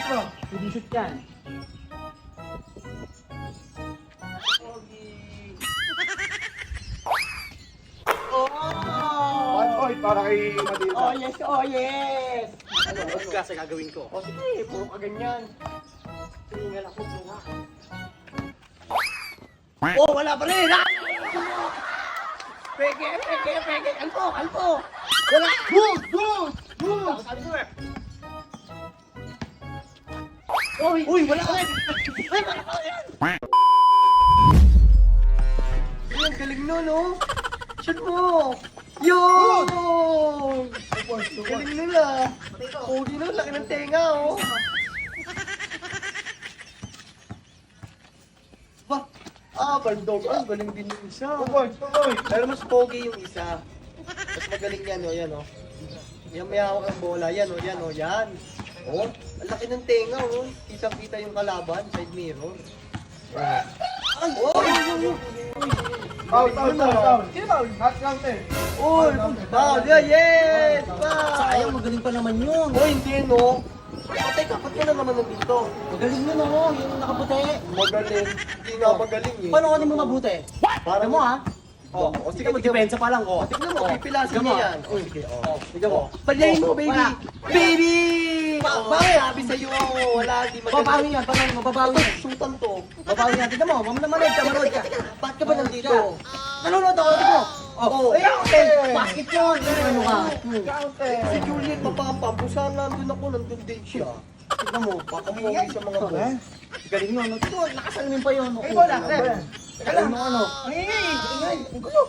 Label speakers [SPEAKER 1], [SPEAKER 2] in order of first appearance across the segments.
[SPEAKER 1] Retro. Hindi shoot yan.
[SPEAKER 2] Oh!
[SPEAKER 1] 1 point para kay Matilda.
[SPEAKER 2] Oh yes, oh yes!
[SPEAKER 3] Ano klase gagawin ko?
[SPEAKER 2] O sige, puro ka ganyan. Tingnan ako, bunga. Oh, wala pa rin! Ah! Peke, peke, peke! Alpo, alpo! Wala!
[SPEAKER 1] Good! Good! Good!
[SPEAKER 3] Sabi ko eh.
[SPEAKER 2] Uy, uy, wala pa rin! Ay, wala pa rin! Ang galing nun, oh! Shoot mo! Yun! Galing nila! Pogi nun, laki ng tenga, oh! Ba? Bandog. Galing din yung isa.
[SPEAKER 1] 2 points, 2 points.
[SPEAKER 2] Pero mas pogi yung isa. Mas magaling yan, oh. Yan, oh. Yan, may hawak ng bola. Yan, oh. Yan, oh. Yan. Oh, ang laki ng tenga, oh. Kitang-kita yung kalaban. Side mirror. Ay! Oh!
[SPEAKER 1] Out, out, out. Sino ba? Hot counter.
[SPEAKER 2] Uy! Foul! Yeah, yes!
[SPEAKER 3] Sayang, magaling pa naman yun.
[SPEAKER 2] Oh, hindi, no? Patay ka, ba't ka na naman nandito?
[SPEAKER 3] Magaling yun oh, yung nakaputi.
[SPEAKER 2] Magaling. Hindi nga magaling, eh.
[SPEAKER 3] Paano ka mo mabuti?
[SPEAKER 2] Para
[SPEAKER 3] Ano mo ha?
[SPEAKER 2] Oh,
[SPEAKER 3] Sige, magdepensa pa lang oh.
[SPEAKER 2] Tignan mo, pipilasin
[SPEAKER 3] Tignan mo.
[SPEAKER 2] niya yan.
[SPEAKER 3] Oh, sige, oh. Tignan mo.
[SPEAKER 2] Palayin mo, baby!
[SPEAKER 3] Wala.
[SPEAKER 2] Baby! Bakit? Sabi sa'yo, wala, di magaling.
[SPEAKER 3] Babawi yan, paano mo? Babawi yan.
[SPEAKER 2] Shootan to.
[SPEAKER 3] Babawi yan. Tignan mo, manood ka, manood ka.
[SPEAKER 2] Ba't ka ba nandito?
[SPEAKER 3] Nanonood ako, tignan mo.
[SPEAKER 2] Oh,
[SPEAKER 3] Basket yun. Ano ka?
[SPEAKER 2] Si Juliet Mapapam, kung saan nandun ako, nandun din siya. Tignan mo, papapogi sa mga boss.
[SPEAKER 3] Galing yun. Ito, nakasalamin pa yun.
[SPEAKER 1] Ay, wala.
[SPEAKER 3] Ano, ano?
[SPEAKER 2] Ingay, ang gulo.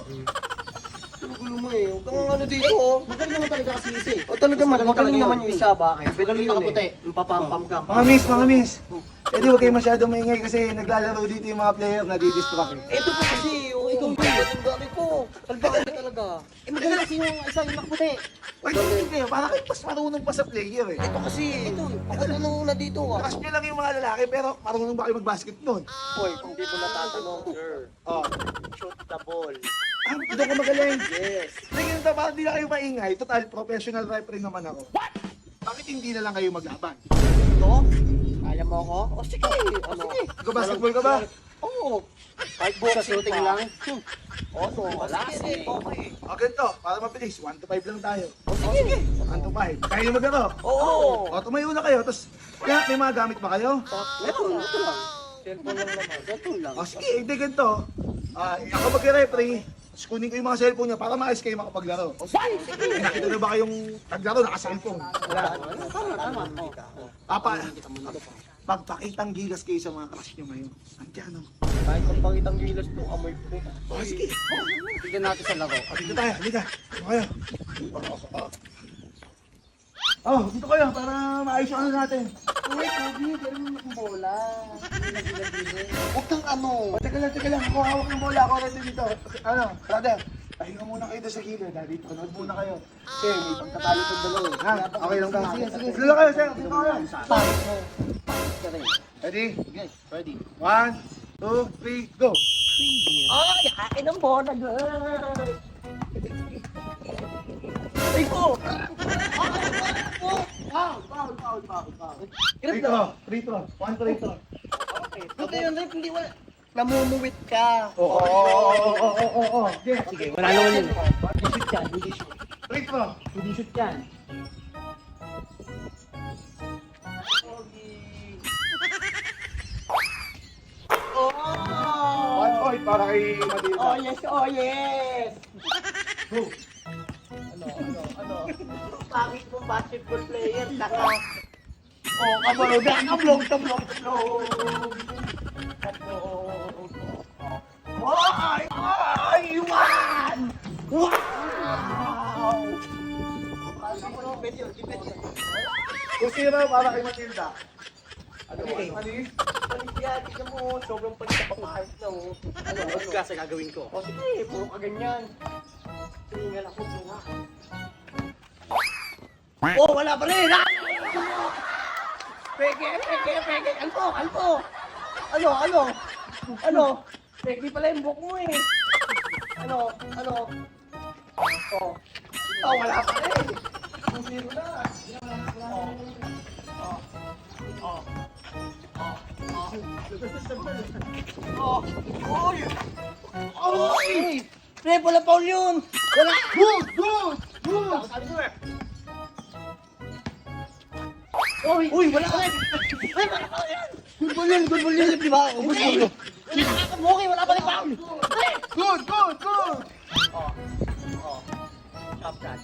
[SPEAKER 2] Ang gulo mo eh. Huwag kang ano dito oh.
[SPEAKER 3] Magaling naman talaga kasi isa eh.
[SPEAKER 2] O talaga magaling naman yung isa, bakit?
[SPEAKER 3] Magaling
[SPEAKER 2] yun
[SPEAKER 3] nakaputi.
[SPEAKER 2] eh. Papampam ka.
[SPEAKER 1] Mga miss. Eh di huwag kayo masyadong maingay kasi naglalaro dito yung mga player na di-distract eh.
[SPEAKER 2] Ito po kasi, oh, ikaw yung ang dami ko. Kalbakan ka talaga.
[SPEAKER 3] Eh, magaling kasi yung isa yung nakaputi.
[SPEAKER 1] Wait, hindi kayo. Para kayo mas marunong pa sa player eh.
[SPEAKER 2] Ito kasi, ako na una dito ah.
[SPEAKER 1] Lakas nyo lang yung mga lalaki pero marunong ba kayo mag-basketball?
[SPEAKER 2] Boy, kung di mo natatanong, sir,
[SPEAKER 1] Oh.
[SPEAKER 2] shoot the ball.
[SPEAKER 1] Ah, doon ko magaling.
[SPEAKER 2] Yes.
[SPEAKER 1] Sige nyo parang di na kayo maingay. Total, professional referee naman ako. Bakit hindi na lang kayo maglaban?
[SPEAKER 2] Ito? Kaya mo ako? O sige. Sige.
[SPEAKER 1] Nag-basketball ka ba?
[SPEAKER 2] Oo. Kahit
[SPEAKER 3] Sa
[SPEAKER 2] boxing
[SPEAKER 3] shooting
[SPEAKER 2] pa.
[SPEAKER 3] lang.
[SPEAKER 2] Oo, wala. Sige, okay.
[SPEAKER 1] O ganito, para mabilis. 1 to 5 lang tayo.
[SPEAKER 2] O sige.
[SPEAKER 1] 1 to 5. Kaya nyo maglaro.
[SPEAKER 2] Oo.
[SPEAKER 1] O tumayo na kayo. Tapos, kaya may mga gamit ba kayo?
[SPEAKER 2] Ito lang. Cellphone lang naman. Ito lang.
[SPEAKER 1] O sige, hindi ganito. Ako mag-referee. Tapos kunin ko yung mga cellphone niya para maayos kayo makapaglaro.
[SPEAKER 2] O sige, sige.
[SPEAKER 1] Eh, nakita na ba kayong naglaro naka-cellphone? Wala.
[SPEAKER 3] Tama.
[SPEAKER 1] Papa, pagpakitang gilas kayo sa mga crush nyo ngayon. Andiyan o.
[SPEAKER 2] Kahit magpangitang gilas to, amoy po.
[SPEAKER 1] O sige.
[SPEAKER 3] Tignan natin sa laro.
[SPEAKER 1] O, dito tayo. Halika. Dito kayo. Oh, dito kayo para maayos yung ano natin.
[SPEAKER 2] Uy, Kobe, ganun mo ng bola. Huwag kang ano.
[SPEAKER 1] O, teka lang. Ako hawak ng bola. Ako rin dito. Ano, brother. Pahinga muna kayo doon sa gilid. Dito, panood muna kayo. Kasi may pagtatalo ng dalawa. Ha? Okay lang ka?
[SPEAKER 2] Sige.
[SPEAKER 1] Dito kayo, sir. Dito kayo.
[SPEAKER 2] Pangit mo.
[SPEAKER 3] Ka rin.
[SPEAKER 1] Ready?
[SPEAKER 3] Guys, ready.
[SPEAKER 1] 1, 2, 3, go!
[SPEAKER 2] Ay, kain ng bola, girl. Ay ko.
[SPEAKER 1] Foul. Free throw. 1 free throw.
[SPEAKER 2] Buti yun, Rick, hindi wala. Namumuwit ka.
[SPEAKER 1] Oo.
[SPEAKER 3] Sige, wala naman yun. Hindi shoot yan, hindi shoot.
[SPEAKER 1] Free throw.
[SPEAKER 3] Hindi shoot yan.
[SPEAKER 2] Oh!
[SPEAKER 1] 1 point para kay Matilda.
[SPEAKER 2] Oh yes, oh yes!
[SPEAKER 1] Go.
[SPEAKER 2] Ano? Pangit mong basketball player, saka... Oh, kabalog, kablog. Ay, iwan! Wow!
[SPEAKER 1] Kusira para kay Matilda. Ano
[SPEAKER 2] Okay.
[SPEAKER 1] Anis?
[SPEAKER 2] Paligyan, tignan mo, sobrang pagkapapahit na oh.
[SPEAKER 3] Ano klase gagawin ko?
[SPEAKER 2] O sige, puro ka ganyan. Tingnan ako, bunga. Oh, wala pa rin! Ah! Peke! Alpo! Ano? Peke pala yung buhok mo eh. Ano? Oh, wala pa rin. 2-0 na.
[SPEAKER 3] Uy! Pre, wala foul yun! Wala!
[SPEAKER 1] Good! Good! Good!
[SPEAKER 3] Sabi ko eh! Uy, wala ka! Ay, wala foul yan!
[SPEAKER 2] Good ball yun, di ba? Ubus mo yun.
[SPEAKER 3] Okay, wala pa rin foul! Ay!
[SPEAKER 1] Good! Good! Good!
[SPEAKER 3] Top shot.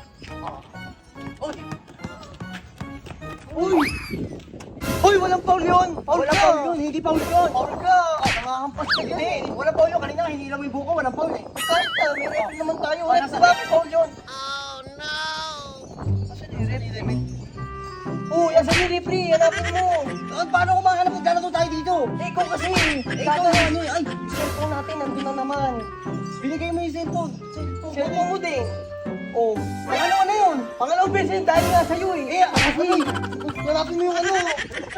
[SPEAKER 2] Uy, walang foul yun! Foul
[SPEAKER 3] Wala
[SPEAKER 2] ka!
[SPEAKER 3] foul yun, hindi foul yun!
[SPEAKER 2] Foul ka!
[SPEAKER 3] Nangahampas ka
[SPEAKER 2] Hindi,
[SPEAKER 3] yun.
[SPEAKER 2] walang foul yun. Kanina hinilaw yung buko, walang foul eh. Kahit na, may referee naman tayo.
[SPEAKER 3] Wala
[SPEAKER 2] Wala
[SPEAKER 3] sa-
[SPEAKER 2] sa bakit foul yun. Kasi yung referee. Oh, yan sa referee, hanapin mo. Paano kung mahanap kung dalato tayo dito? Eh, ikaw kasi. Ikaw ano eh. Ay, cellphone natin, nandun na naman. Binigay mo yung cellphone. Cellphone mo din. Oh, pangalawa na yun. Pangalawang beses dahil nga sa'yo eh. Eh, kasi, hanapin mo yung ano.